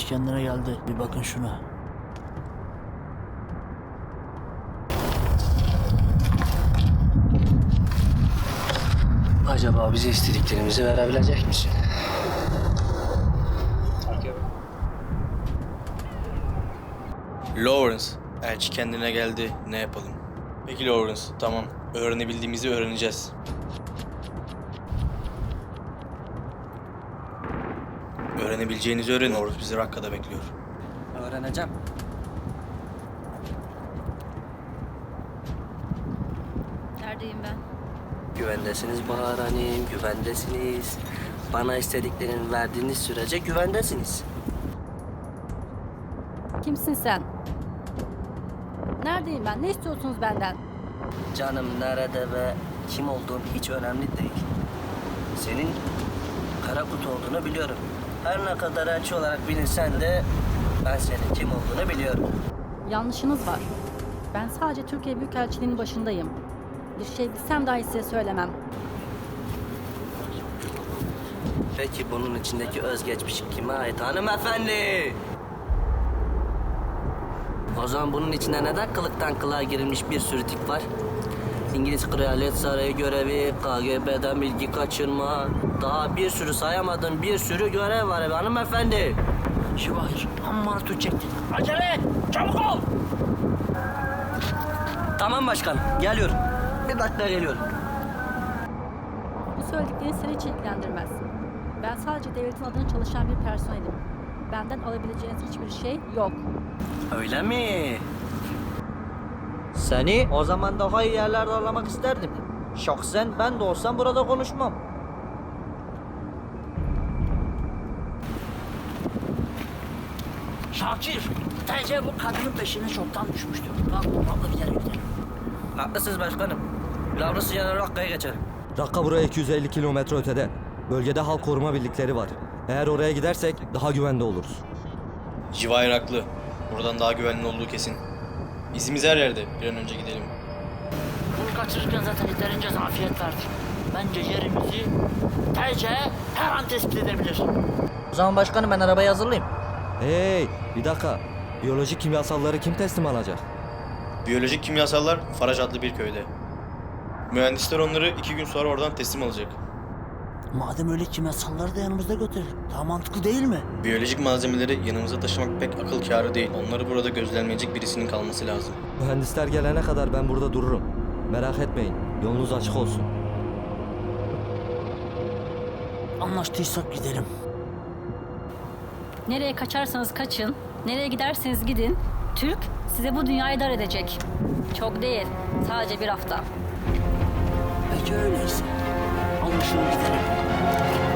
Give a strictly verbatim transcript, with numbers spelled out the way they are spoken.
kendine geldi. Bir bakın şuna. Acaba bize istediklerimizi verebilecek misin? Lawrence, elçi kendine geldi. Ne yapalım? Peki Lawrence, tamam. Öğrenebildiğimizi öğreneceğiz. Öğrenebileceğinizi öğrenin. Lawrence bizi Rakka'da bekliyor. Öğreneceğim. Neredeyim ben? Güvendesiniz Bahar Hanım, güvendesiniz. Bana istediklerini verdiğiniz sürece güvendesiniz. Kimsin sen? Neredeyim ben? Ne istiyorsunuz benden? Canım nerede ve kim olduğun hiç önemli değil. Senin kara kutu olduğunu biliyorum. Her ne kadar elçi olarak bilinsen de ben senin kim olduğunu biliyorum. Yanlışınız var. Ben sadece Türkiye Büyükelçiliği'nin başındayım. Bir şey bilsem dahi size söylemem. Peki bunun içindeki özgeçmiş kime ait hanımefendi? O zaman bunun içinde neden kılıktan kılığa girilmiş bir sürü tip var? İngiliz Kraliyet Sarayı görevi, K G B'den bilgi kaçırma, daha bir sürü sayamadığım bir sürü görev var hanımefendi. Şivahir, amma tutacaktin. Acele et, çabuk ol. Tamam başkanım, geliyorum. Bir dakika geliyorum. Bu söylediklerin seni hiç ilgilendirmez. Ben sadece devletin adına çalışan bir personelim. Benden alabileceğiniz hiçbir şey yok. Öyle mi? Seni o zaman daha iyi yerlerde ağırlamak isterdim. Şahsen ben de olsam burada konuşmam. Şakir, T C bu kadının peşine çoktan düşmüştür. Bak, vallahi gidelim gidelim. Haklısınız başkanım. Lavrası yanar Rakka'ya geçelim. Rakka buraya iki yüz elli kilometre ötede. Bölgede halk koruma birlikleri var. Eğer oraya gidersek daha güvende oluruz. Civahir haklı. Buradan daha güvenli olduğu kesin. İzimiz her yerde. Bir an önce gidelim. Bunu kaçırırken zaten yeterince zafiyet verdik. Bence yerimizi T C her an tespit edebilir. O zaman başkanım ben arabayı hazırlayayım. Hey, bir dakika. Biyolojik kimyasalları kim teslim alacak? Biyolojik kimyasallar Faraj adlı bir köyde. Mühendisler onları iki gün sonra oradan teslim alacak. Madem öyle kimyasalları da yanımızda götürelim. Daha mantıklı değil mi? Biyolojik malzemeleri yanımıza taşımak pek akıl kârı değil. Onları burada gözlenmeyecek birisinin kalması lazım. Mühendisler gelene kadar ben burada dururum. Merak etmeyin, yolunuz açık olsun. Anlaştıysak gidelim. Nereye kaçarsanız kaçın, nereye giderseniz gidin. Türk size bu dünyayı dar edecek. Çok değil, sadece bir hafta. Peki öyleyse. Alın şunu gidelim.